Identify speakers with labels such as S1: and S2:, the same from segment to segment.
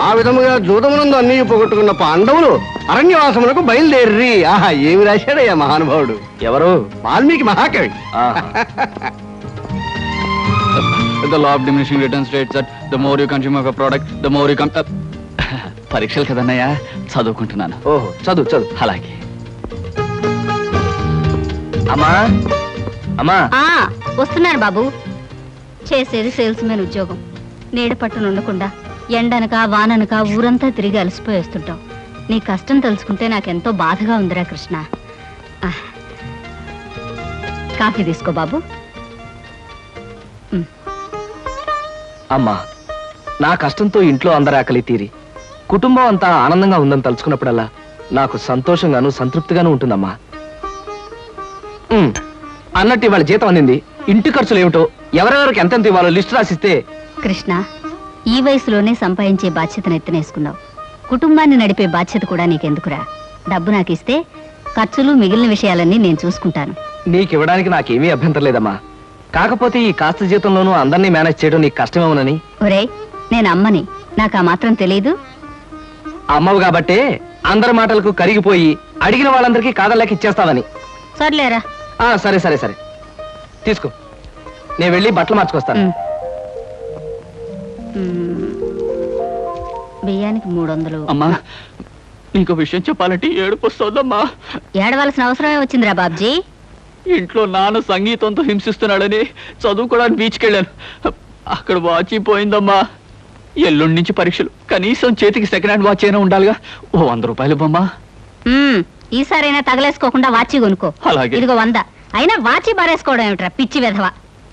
S1: ఆ విధముగా జూదమునందు అన్ని పోగొట్టుకున్న పాండవులు అరణ్యవాసములకు బయలుదేర్రి. ఆహా, ఏమి రాశాడయ్యా మహానుభావుడు.
S2: ఎవరు?
S1: వాల్మీకి మహాకవి.
S2: The law of diminishing returns states that the more you consume of a product, the more you పరీక్షలు కదన్నయ్యా, చదువుకుంటున్నాను.
S1: ఓహో, చదువు చదువు.
S2: అలాగే. అమ్మా అమ్మా.
S3: వస్తున్నాను బాబు. చేసేది సేల్స్ మెన్ ఉద్యోగం. నీడ పట్టున ఉండకుండా ఎండనక వాననక ఊరంతా తిరిగి అలసిపోయేస్తుంటాం. నీ కష్టం తెలుసుకుంటే నాకెంతో బాధగా ఉందిరా కృష్ణ. కాఫీ తీసుకో బాబు.
S2: అమ్మా, నా కష్టంతో ఇంట్లో అందరి ఆకలి తీరి కుటుంబం అంతా ఆనందంగా ఉందని తలుచుకున్నప్పుడల్లా నాకు సంతోషంగాను సంతృప్తిగాను ఉంటుందమ్మా. అన్నట్టు ఇవాళ జీతం అందింది. ఇంటి ఖర్చులు ఏమిటో, ఎవరెవరికి ఎంతెంత ఇవ్వాలో లిస్టు రాసిస్తే.
S3: కృష్ణ, ఈ వయసులోనే సంపాదించే బాధ్యతను ఎత్తనేసుకున్నావు. కుటుంబాన్ని నడిపే బాధ్యత కూడా నీకెందుకురా? డబ్బు నాకు ఇస్తే ఖర్చులు మిగిలిన విషయాలన్నీ నేను చూసుకుంటాను.
S2: నీకివ్వడానికి నాకేమీ అభ్యంతరం లేదమ్మా. కాకపోతే ఈ కాస్త జీతంలోనూ అందరినీ మేనేజ్ చేయడం నీకు కష్టమేమోనని.
S3: ఒరేయ్, నేను అమ్మని, నాకు ఆ మాత్రం తెలీదు.
S2: అమ్మవు కాబట్టే అందరి మాటలకు కరిగిపోయి అడిగిన వాళ్ళందరికీ కాదలేక ఇచ్చేస్తావని.
S3: సర్లేరా.
S2: సరే సరే సరే, తీసుకో. నేను వెళ్ళి బట్టలు మార్చుకొస్తాను.
S3: బియ్యానికి 300.
S2: అమ్మా, నీకు విషయం చెప్పాలంటే ఏడుపు వస్తుందమ్మా.
S3: ఏడవలసిన అవసరమే వచ్చిందిరా బాబ్జీ.
S2: ఇంట్లో నాన్న సంగీతంతో హింసిస్తున్నాడని చదువుకోవడానికి బీచ్కి వెళ్ళాను. అక్కడ వాచ్ పోయిందమ్మా. ఎల్లుండి నుంచి పరీక్షలు. కనీసం చేతికి సెకండ్ హ్యాండ్ వాచ్ అయినా ఉండాలిగా. ఓ 100 రూపాయలు బొమ్మా.
S3: ఈసారైనా తగలేసుకోకుండా వాచి కొనుక్కో.
S2: అలాగే.
S3: ఇదిగో 100. అయినా వాచి బారేసుకోవడం ఏమిట్రా పిచ్చి వెధవ.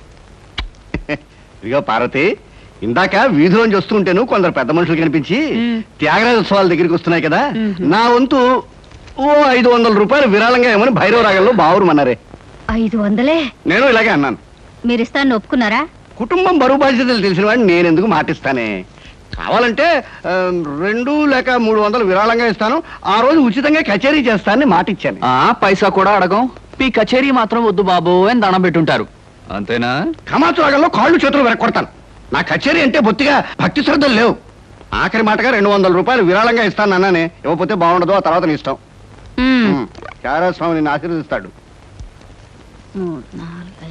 S1: ఇదిగో పార్వతి, ఇందాక వీధిలోంచి వస్తుంటేను కొందరు పెద్ద మనుషులు కనిపించి త్యాగరాజోత్సవాల దగ్గరికి వస్తున్నాయి కదా, నా వంతు ఓ 500 రూపాయలు విరాళంగా ఏమని భైరవ రాగంలో బావురమన్నారే.
S3: 500?
S1: నేను ఇలాగే అన్నాను.
S3: మీరిస్తాను ఒప్పుకున్నారా?
S1: కుటుంబం బరువు బాధ్యతలు తెలిసిన వాడిని నేనెందుకు మాటిస్తానే. కావాలంటే 2 లేక 300 విరాళంగా ఇస్తాను. ఆ రోజు ఉచితంగా కచేరీ చేస్తానని మాటిచ్చాను.
S2: పైసా కూడా అడగం. మీ కచేరీ మాత్రం వద్దు బాబు అని దండం పెట్టుంటారు, అంతేనా?
S1: కమాతు రాగంలో కాళ్ళు చేతులు వెరకొడతాను. నా కచేరీ అంటే బొత్తిగా భక్తి శ్రద్ధలు లేవు. ఆఖరి మాటగా 200 రూపాయలు విరాళంగా ఇస్తాను అన్నానే. ఇవ్వకపోతే బాగుండదు, ఆ తర్వాత నీ ఇష్టం. చారాస్వామి నిన్ను ఆశీర్వదిస్తాడు.
S3: 3, 4, 5.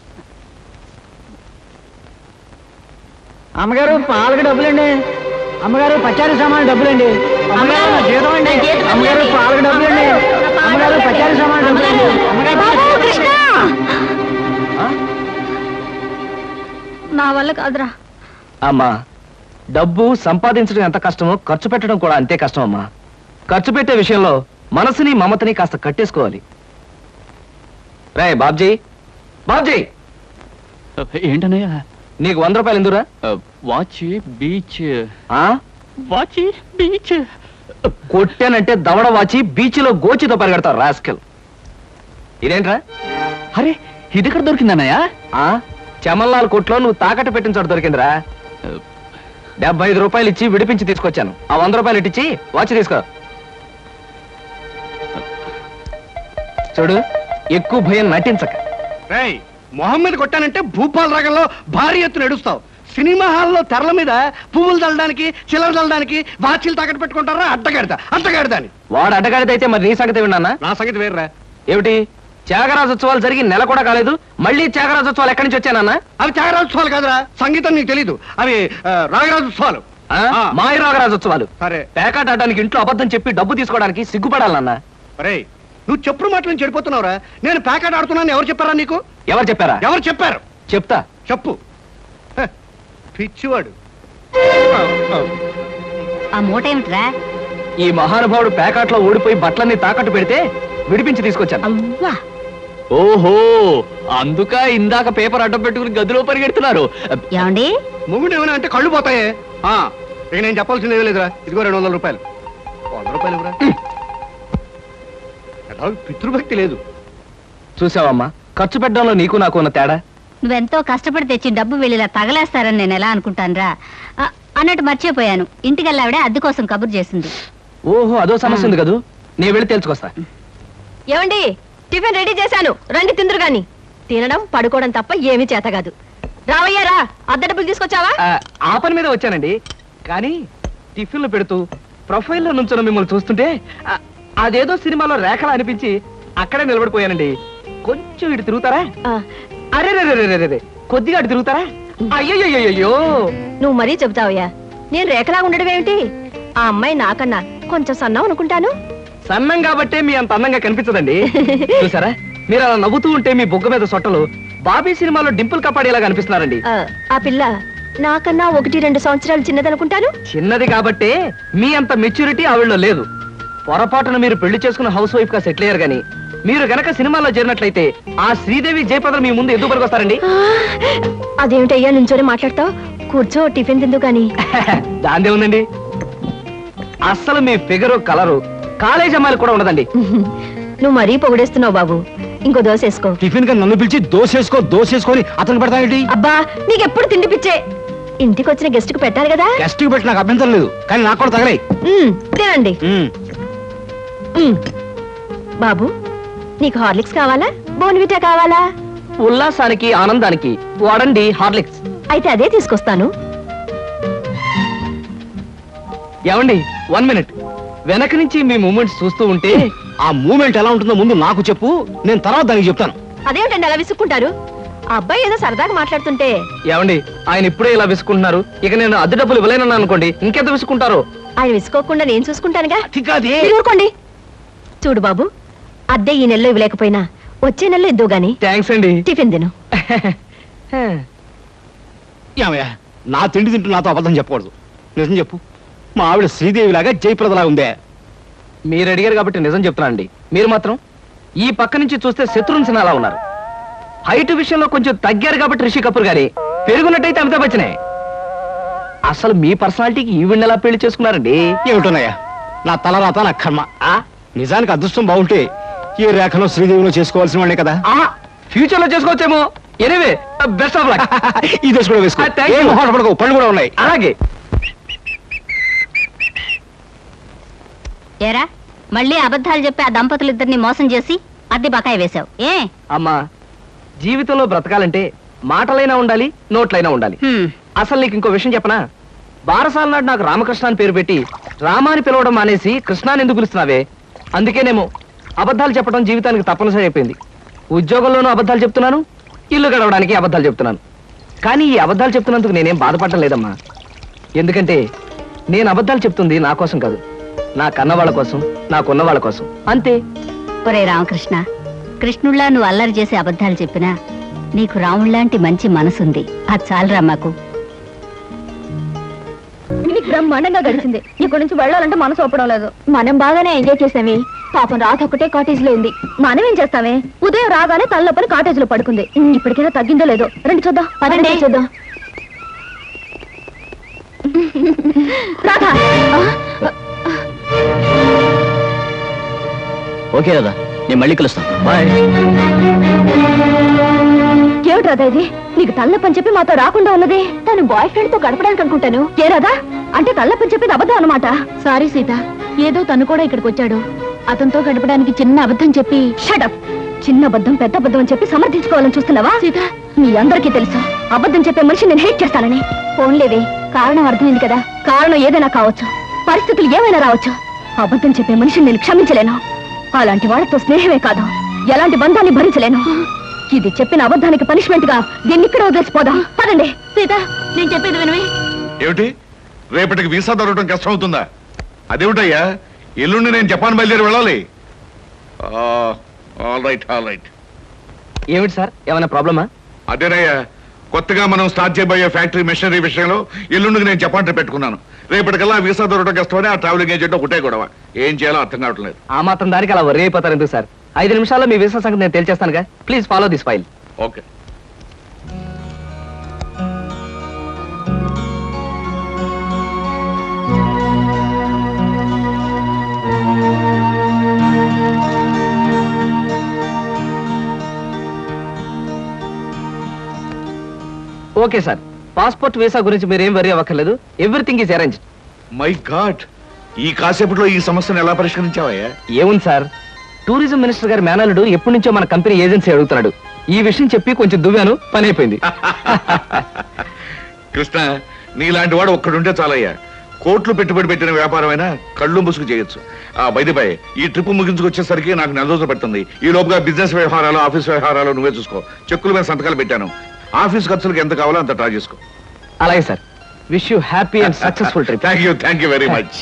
S4: అమ్మగారు పాలకు డబ్బులండి. అమ్మగారు పచారీ సామాన్ డబ్బులండి. అమ్మగారు నా జీతం అండి. అమ్మగారు పాలకు డబ్బులండి. అమ్మగారు పచారీ సామాన్ డబ్బులండి.
S3: నా వల్ల కాదురా.
S2: అమ్మా, డబ్బు సంపాదించడం ఎంత కష్టమో ఖర్చు పెట్టడం కూడా అంతే కష్టం అమ్మా. ఖర్చు పెట్టే విషయంలో మనసుని మమతని కాస్త కట్టేసుకోవాలి. రే బాబ్జీ, బాబ్జీ. ఏంటన్నయ్యా? నీకు 100 రూపాయలు ఎందురా? Watch beach. వాచ్ బీచ్ కొట్టానంటే దవడ వాచి బీచ్లో గోచితో పరిగెడతావు రాస్కెల్. ఇదేంట్రా? అరే, ఇది ఎక్కడ దొరికిందన్నయ్యా? చమల్లాల్ కొట్లో నువ్వు తాకట్టు పెట్టిన చోట దొరికిందిరా. 75 రూపాయలు ఇచ్చి విడిపించి తీసుకొచ్చాను. ఆ 100 రూపాయలు ఇట్టించి వాచ్ తీసుకో. చూడు, ఎక్కువ భయం నటించక.
S1: రేయ్, మొహమ్మద్ కొట్టానంటే భూపాల్ రాగంలో భారీ ఎత్తున ఎడుస్తావు. సినిమా హాల్లో తెరల మీద పువ్వులు చల్లడానికి, చిల్లర చల్లడానికి వాచీలు తాకట్టు పెట్టుకుంటారా? అడ్డగాడిదా అని.
S2: వాడు అడ్డగాడిదైతే మరి నీ సంగతి విన్నా?
S1: నా సంగతి వేర్రా.
S2: ఏమిటి? త్యాగరాజోత్సవాలు జరిగి నెల కూడా కాలేదు, మళ్ళీ త్యాగరాజోత్సవాలు ఎక్కడి నుంచి వచ్చానన్నా?
S1: అవి త్యాగరాజోత్సవాలు కాదురా, సంగీతం నీకు తెలీదు. అవి రాగరాజోత్సవాలు.
S2: మాయ రాగరాజోత్సవాలు.
S1: సరే,
S2: పేకాట ఆడడానికి ఇంట్లో అబద్ధం చెప్పి డబ్బు తీసుకోవడానికి సిగ్గుపడాలన్నా?
S1: అరే, నువ్వు చెప్పుడు మాటలను చెడిపోతున్నావురా. నేను పేకాట ఆడుతున్నాను ఎవరు చెప్పారా నీకు?
S2: ఎవరు చెప్పారా?
S1: ఎవరు చెప్పారు?
S2: చెప్తా,
S1: చెప్పు. పిచ్చివాడు.
S3: ఆ మూట ఏమిట్రా?
S2: ఈ మహానుభావుడు పేకాట్లో ఓడిపోయి బట్టలన్నీ తాకట్టు పెడితే విడిపించి తీసుకొచ్చాను.
S3: అవ్వా,
S2: ఓహో, అందుక ఇందాక పేపర్ అడ్డం పెట్టుకుని గదిలో పరిగెడుతున్నారు.
S3: ఏమండి?
S1: మొగుడు ఏమైనా అంటే కళ్ళు పోతాయే. ఇక నేను చెప్పాల్సింది ఏమీ లేదురా. ఇదిగో 200 రూపాయలు. 100 రూపాయలు ఇవ్వరా. పితృభక్తి లేదు.
S2: చూసావమ్మా, ఖర్చు పెట్టడంలో నీకు నాకు ఉన్న తేడా.
S3: నువ్వెంతో కష్టపడి తెచ్చి డబ్బు వెళ్ళిలా తగలేస్తారని నేను ఎలా అనుకుంటానురా. అన్నట్టు మర్చిపోయాను, ఇంటికెళ్ళావిడే అద్దె కోసం కబురు చేసింది.
S2: ఓహో, అదో సమస్య ఉంది కదూ. నేను వెళ్ళి తెలుసుకొస్తా.
S5: ఏమండి, టిఫిన్ రెడీ చేశాను, రండి తిందురు గాని. తినడం పడుకోవడం తప్ప ఏమీ చేత కాదు. రావయ్యారా, అద్దె డబ్బులు తీసుకొచ్చావా?
S2: ఆ పని మీద వచ్చానండి. కానీ టిఫిన్లు పెడుతూ ప్రొఫైల్లో నుంచున్న మిమ్మల్ని చూస్తుంటే అదేదో సినిమాలో రేఖలా అనిపించి అక్కడే నిలబడిపోయానండి. కొంచెం ఇటు తిరుగుతారా? అరే రే కొద్దిగా అటు తిరుగుతారా? అయ్యో
S5: నువ్వు మరీ చెబుతావయ్యా. నేను రేఖలా ఉండడం ఏమిటి? ఆ అమ్మాయి నాకన్నా కొంచెం సన్నం అనుకుంటాను.
S2: సన్నం కాబట్టే మీ అంత అందంగా కనిపించదండి. చూసారా, మీరు అలా నవ్వుతూ ఉంటే మీ బొగ్గ మీద సొట్టలు బాబీ సినిమాలో డింపుల్ కపాడేలా కనిపిస్తున్నారండి.
S5: ఆ పిల్ల నాకన్నా 1-2 సంవత్సరాలు చిన్నదనుకుంటాను.
S2: చిన్నది కాబట్టే మీ అంత మెచ్యూరిటీ ఆవిడలో లేదు. పొరపాటున మీరు పెళ్లి చేసుకున్న హౌస్ వైఫ్ గా సెటిల్ అయ్యారు గాని మీరు గనక సినిమాలో చేరినట్లయితే ఆ శ్రీదేవి జయప్రద మీ ముందు ఎందుకు పనికొస్తారండి?
S5: అదేమిటయ్యా నుంచోనే మాట్లాడతావు? కూర్చో, టిఫిన్ తిందు గాని.
S2: దాందే ఉందండి. అస్సలు మీ ఫిగరు కలరు కాలేజ్ అమ్మాయిలు కూడా ఉండదండి.
S5: నువ్వు మరీ పొగిడేస్తున్నావు బాబు. ఇంకో దోశ వేసుకో.
S4: టిఫిన్ గా నన్ను పిలిచి దోసేసుకొని అతను పెడతానండి.
S5: అబ్బా, నీకెప్పుడు తిండి పిచ్చే. ఇంటికి వచ్చిన గెస్ట్ కు పెట్టాలి కదా.
S4: గెస్ట్ కి పెట్టి నాకు అభ్యంతరం లేదు, కానీ నాకు కూడా తగలే.
S5: తినండి. బాబు, నీకు హార్లిక్స్ కావాలా, బోన్విటా కావాలా?
S2: ఉల్లాసానికి ఆనందానికి వాడండి హార్లిక్స్.
S5: అయితే అదే తీసుకొస్తాను.
S2: ఏమండి, 1 మినిట్. వెనక నుంచి మీ మూమెంట్స్ చూస్తూ ఉంటే
S4: ఆ మూమెంట్ ఎలా ఉంటుందో ముందు నాకు చెప్పు, నేను తర్వాత దానికి చెప్తాను.
S5: అదేమిటండి అలా విసుక్కుంటారు? ఆ అబ్బాయి ఏదో సరదాగా మాట్లాడుతుంటే.
S2: ఏమండి, ఆయన ఇప్పుడే ఇలా విసుకుంటున్నారు. ఇక నేను అద్దె డబ్బులు ఇవ్వలేనన్నా అనుకోండి, ఇంకెంత విసుకుంటారు?
S5: ఆయన విసుకోకుండా నేను చూసుకుంటానుగా.
S4: అదే
S5: మీరు ఊరుకోండి. చూడు బాబు, అద్దె ఈ నెలలో ఇవ్వలేకపోయినా వచ్చే నెలలో ఇద్దు గాని.
S2: థ్యాంక్స్ అండి.
S5: టిఫిన్ తిను.
S4: ఏమయ్యా, నా తిండి తింటూ నాతో అబద్ధం చెప్పకూడదు. నిజం చెప్పు, మా ఆవిడ శ్రీదేవిలాగా జయప్రదలా ఉందే?
S2: మీరు అడిగారు కాబట్టి నిజం చెప్తున్నానండి. మీరు మాత్రం ఈ పక్క నుంచి చూస్తే శత్రుఘ్న సిన్హా అలా ఉన్నారు. హైట్ విషయంలో కొంచెం తగ్గారు కాబట్టి రిషి కపూర్ గారి, పెరుగున్నట్టయితే అమితాబ్ బచ్చనే. అసలు మీ పర్సనాలిటీకి ఈవిడ్ని ఎలా పెళ్లి చేసుకున్నారండి?
S4: ఏమిటోనయ్యా, నా తలరాత నా కర్మ. నిజానికి అదృష్టం బాగుంటే ఈ రేఖలో శ్రీదేవిలో చేసుకోవాల్సిన వాళ్ళే కదా.
S2: ఫ్యూచర్ లో చేసుకోవచ్చేమో. Anyway, best of luck.
S4: ఈ దశ కూడా వేసుకో.
S2: Thank you.
S4: ఏం మొహాట పడకు, పళ్ళు కూడా ఉన్నాయి.
S2: అలాగే.
S3: ఏరా, మళ్ళీ అబద్ధాలు చెప్పి ఆ దంపతులిద్దరిని మోసం చేసి అద్దె బకాయి వేశావు ఏ?
S2: అమ్మా, జీవితంలో బ్రతకాలంటే మాటలైనా ఉండాలి, నోట్లైనా ఉండాలి. అసలు నీకు ఇంకో విషయం చెప్పనా? బారసాల నాడు నాకు రామకృష్ణ అని పేరు పెట్టి రామాని పిలవడం మానేసి కృష్ణాని ఎందుకు పిలుస్తున్నావే? అందుకేనేమో అబద్ధాలు చెప్పడం జీవితానికి తప్పనిసరి అయిపోయింది. ఉద్యోగంలోనూ అబద్ధాలు చెప్తున్నాను, ఇల్లు గడవడానికి అబద్ధాలు చెప్తున్నాను. కానీ ఈ అబద్ధాలు చెప్తున్నందుకు నేనేం బాధపడటం లేదమ్మా. ఎందుకంటే నేను అబద్ధాలు చెప్తుంది నా కోసం కాదు, నా కన్నవాళ్ళ కోసం, నాకున్న వాళ్ళ కోసం, అంతే.
S3: ఒరే రామకృష్ణ, కృష్ణుళ్ళ నువ్వు అల్లరి చేసి అబద్ధాలు చెప్పినా నీకు రాముళ్లాంటి మంచి మనసుంది. అది చాలరా మాకు.
S5: బ్రహ్మాండంగా గడిచింది. ఇక్కడ నుంచి వెళ్ళాలంటే మనసు ఒప్పడం లేదు. మనం బాగానే ఎంజాయ్ చేసామే. పాపం రాత ఒక్కటే కాటేజ్ లో ఉంది. మనం ఏం చేస్తామే? ఉదయం రాగానే తలనొప్పని కాటేజ్ లో పడుకుంది. ఇప్పటికైనా తగ్గిందో లేదో రండి చూద్దాం. పదండి చూద్దాం. రాధా,
S4: ఓకే కదా, నేను మళ్ళీ కలుస్తాను. బాయ్.
S5: ఏమిటి రాధా ఇది? నీకు తల్లపని చెప్పి మాతో రాకుండా ఉన్నది తను బాయ్ ఫ్రెండ్ తో గడపడానికి అనుకుంటాను. ఏ రాధా, అంటే తల్లపని చెప్పేది అబద్ధం అన్నమాట. సారీ సీత, ఏదో తను కూడా ఇక్కడికి వచ్చాడు. అతనితో గడపడానికి చిన్న అబద్ధం చెప్పి. షటప్. చిన్న అబద్ధం పెద్ద అబద్ధం అని చెప్పి సమర్థించుకోవాలని చూస్తున్నావా? సీత, మీ అందరికీ తెలుసు అబద్ధం చెప్పే మనిషి నేను హేట్ చేస్తానని. ఫోన్లేవే, కారణం అర్థమైంది కదా. కారణం ఏదైనా కావచ్చు, పరిస్థితులు ఏమైనా రావచ్చు. అబద్ధం చెప్పే మనిషిని నేను క్షమించలేను. అలాంటి వాళ్ళతో స్నేహమే కాదు, ఎలాంటి బంధాన్ని భరించలేను. ఇది చెప్పిన అబద్ధానికి పనిష్మెంట్ గా దీన్ని ఇక్కడ వదిలేసిపోదాం. పదండి. సీత, నేను చెప్పేది వినవే.
S6: ఏమిటి, రేపటికి వీసా దొరకడం కష్టం అవుతుందా? అదేమిటయ్యా, ఎల్లుండి నేను జపాన్ బయలుదేరి వెళ్ళాలి. All right.
S2: ఏమిటి సార్, ఏమైనా ప్రాబ్లమా?
S6: అదేనయ్యా, కొత్తగా మనం స్టార్ట్ చేయబోయే ఫ్యాక్టరీ మెషినరీ విషయంలో ఎల్లుండికి నేను జపాన్ ట్రిప్ పెట్టుకున్నాను. రేపటికల్లా వీసా దొరకడం కష్టమని ఆ ట్రావెలింగ్ ఏజెంట్ ఒకటే గొడవ. ఏం చేయాలో అర్థం కావట్లేదు.
S2: ఆ మాత్రం దానికి అలా వర్రీ అయిపోతారు ఎందుకు సార్? 5 నిమిషాల్లో మీ వీసా సంగతి నేను తేల్చేస్తానుగా. Please follow this file.
S6: Okay.
S2: Okay sir, passport visa గురించి మీరేం వరీ అవ్వక్కర్లేదు. Everything is arranged.
S6: My god, ఈ కాసేపట్లో ఈ సమస్యను ఎలా పరిష్కరించావయ్యా?
S2: ఏముంది సార్, టూరిజం మినిస్టర్ గారి మేనల్లుడు ఎప్పటి నుంచో మన కంపెనీ ఏజెన్సీ అడుగుతున్నాడు. ఈ విషయం చెప్పి కొంచెం దువ్వాను, పని అయిపోయింది.
S6: కృష్ణ, నీలాంటి వాడు ఒక్కడుంటే చాలయ్యా. కోట్లు పెట్టుబడి పెట్టిన వ్యాపారమైనా కళ్ళు ముసుగు చేయొచ్చు. బై ఈ ట్రిప్ ముగించుకొచ్చేసరికి నాకు 4 రోజులు పడుతుంది. ఈ లోపుగా బిజినెస్ వ్యవహారాలు, ఆఫీస్ వ్యవహారాలు నువ్వే చూసుకో. చెక్కుల మీద సంతకాలు పెట్టాను. ఆఫీస్ ఖర్చులకు ఎంత కావాలో అంత డ్రా చేసుకో.
S2: అలాగే sir. Wish you happy and successful trip.
S6: Thank you very much.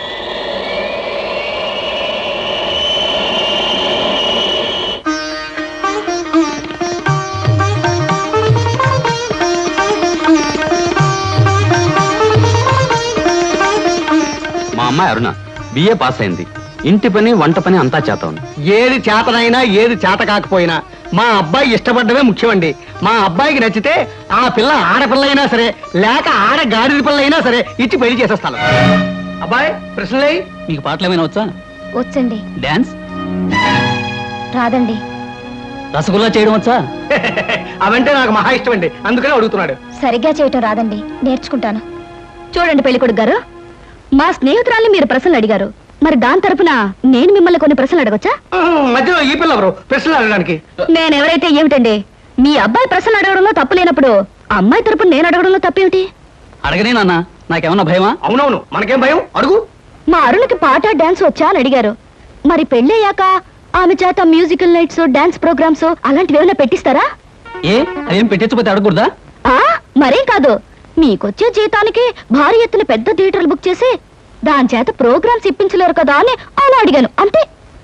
S7: మా అమ్మాయి అరుణ బిఏ పాస్ అయింది. ఇంటి పని వంట పని అంతా చేత ఉంది.
S4: ఏది చేతనైనా ఏది చేత కాకపోయినా మా అబ్బాయి ఇష్టపడ్డమే ముఖ్యమండి. మా అబ్బాయికి నచ్చితే ఆ పిల్ల ఆడపిల్ల అయినా సరే, లేక ఆడ గాడిద పిల్ల అయినా సరే ఇచ్చి పెళ్లి చేసేస్తాను. అబ్బాయి ప్రశ్నలే.
S7: మీకు పాటలు ఏమైనా వచ్చా?
S5: వచ్చండి.
S7: డాన్స్?
S5: రాదండి.
S7: రసగుల్లా చేయడం వచ్చా?
S4: అవంటే నాకు మహా ఇష్టం అండి, అందుకనే అడుగుతున్నాడు.
S5: సరిగ్గా చేయటం రాదండి, నేర్చుకుంటాను. చూడండి పెళ్లికొడుకు గారు, మా స్నేహితురాల్ని మీరు ప్రశ్నలు అడిగారు, మరి దాని తరపున నేను మిమ్మల్ని కొన్ని ప్రశ్నలు అడగొచ్చా?
S4: మధ్యలో ఈ పిల్ల ఎవరు ప్రశ్నలు అడగడానికి?
S5: నేనెవరైతే ఏమిటండి? మీ అబ్బాయి ప్రశ్నలు అడగడంలో తప్పు లేనప్పుడు అమ్మాయి తరపున నేను అడగడంలో తప్పేమిటి?
S7: అడగనే నాన్న, నాకేమన్నా భయమా?
S4: అవునవును, మనకేం భయం, అడుగు.
S5: మా అరుణకి పాట డాన్స్ వచ్చా అని అడిగారు. మరి పెళ్ళయ్యాక ఆమె చేత మ్యూజికల్ నైట్స్, డాన్స్ ప్రోగ్రామ్స్ అలాంటివి ఏమైనా పెట్టిస్తారా?
S7: ఏ అదేం పెట్టించకపోతే అడగకూడదా?
S5: మరేం కాదు, మీకొచ్చే జీతానికి భారీ ఎత్తున పెద్ద థియేటర్లు బుక్ చేసి దాని చేత ప్రోగ్రామ్స్ ఇప్పించలేరు కదా అని అలా అడిగాను, అంతే.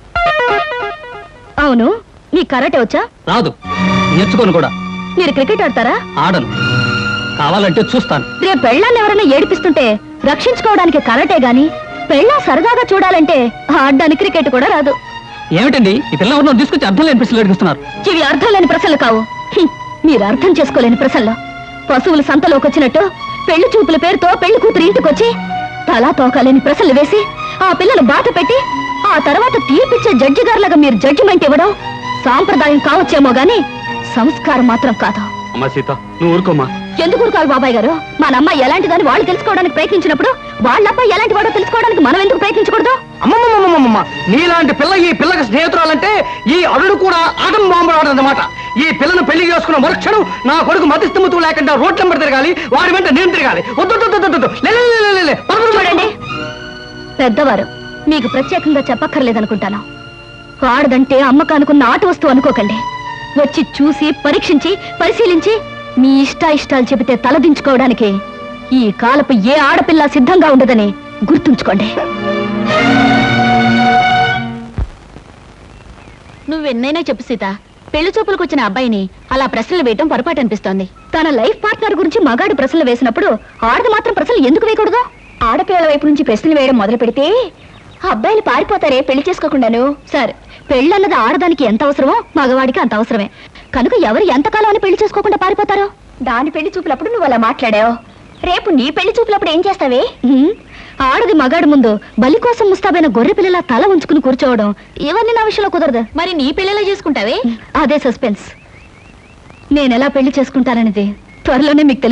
S5: అవును, మీకు కరాటే వచ్చా?
S7: రాదు, నేర్చుకోను కూడా.
S5: మీరు క్రికెట్ ఆడతారా?
S7: ఆడను, కావాలంటే చూస్తాను.
S5: రేపు పెళ్ళాన్ని ఎవరైనా ఏడిపిస్తుంటే రక్షించుకోవడానికి కరాటే గాని, పెళ్ళా సరదాగా చూడాలంటే ఆడడానికి క్రికెట్ కూడా రాదు.
S7: ఏమిటండి ఈ పిల్ల ఎవరినో తీసుకొచ్చి అర్థం లేని ప్రశ్నలు అడిగిస్తున్నారు?
S5: ఇవి అర్థం లేని ప్రశ్నలు కావు, మీరు అర్థం చేసుకోలేని ప్రశ్నలు. పశువులు సంతలోకి వచ్చినట్టు పెళ్లి చూపుల పేరుతో పెళ్లి కూతురు ఇంటికొచ్చి తలా తోకాలేని ప్రశ్నలు వేసి ఆ పిల్లలు బాధ పెట్టి ఆ తర్వాత తీర్పిచ్చే జడ్జి గారులాగా మీరు జడ్జిమెంట్ ఇవ్వడం సాంప్రదాయం కావచ్చేమో గాని సంస్కారం మాత్రం కాదు.
S7: అమ్మా సీత, నువ్వు ఊరుకోమా.
S5: ఎందుకు ఊరుకోవాలి బాబాయ్ గారు? మన అమ్మాయి ఎలాంటిదని వాళ్ళు తెలుసుకోవడానికి ప్రయత్నించినప్పుడు వాళ్ళ అబ్బాయి ఎలాంటి వాడో తెలుసుకోవడానికి మనం ఎందుకు ప్రయత్నించకూడదు?
S4: అమ్మమ్మమ్మమ్మమ్మ, నీలాంటి పిల్ల ఈ పిల్లకి స్నేహితురాలంటే ఈ అడుగు కూడా ఆటం బాంబు రావడదన్నమాట. ఈ పిల్లను పెళ్లి చేసుకున్న మరుక్షణం నా కొడుకు మతిస్థిమతు లేకుండా రోడ్ నెంబర్ తిరగాలి, వాడి వెంట నేను తిరగాలి.
S5: చూడండి పెద్దవారు, మీకు ప్రత్యేకంగా చెప్పక్కర్లేదనుకుంటాను. ఆడదంటే అమ్మకానుకున్న ఆట వస్తువు అనుకోకండి. వచ్చి చూసి పరీక్షించి పరిశీలించి మీ ఇష్టాయిష్టాలు చెబితే తలదించుకోవడానికి ఈ కాలపు ఏ ఆడపిల్ల సిద్ధంగా ఉండదని గుర్తుంచుకోండి. నువ్వెన్నైనా చెప్పు సీత, పెళ్లి చూపులకు వచ్చిన అబ్బాయిని అలా ప్రశ్నలు వేయటం పొరపాటు అనిపిస్తోంది. తన లైఫ్ పార్ట్నర్ గురించి మగాడు ప్రశ్నలు వేసినప్పుడు ఆడది మాత్రం ప్రశ్నలు ఎందుకు వేయకూడదు? ఆడపిల్లల వైపు నుంచి ప్రశ్నలు వేయడం మొదలు పెడితే అబ్బాయిలు పారిపోతారే పెళ్లి చేసుకోకుండాను. సరే, పెళ్ళన్నది ఆడదానికి ఎంత అవసరమో మగవాడికి అంత అవసరమే. కనుక ఎవరు ఎంతకాలం అని పెళ్లి చేసుకోకుండా పారిపోతారో? దాని పెళ్లి చూపులప్పుడు నువ్వు అలా మాట్లాడావు, రేపు నీ పెళ్లి చూపులప్పుడు ఏం చేస్తావే? ఆడది మగాడు ముందు బలి కోసం ముస్తాబైన గొర్రె పిల్లల తల ఉంచుకుని కూర్చోవడం ఇవన్నీ నా విషయంలో కుదరదు. మరి నీ పెళ్లిలా చేసుకుంటావే? అదే సస్పెన్స్. నేనెలా పెళ్లి చేసుకుంటాననేది త్వరలోనే మీకు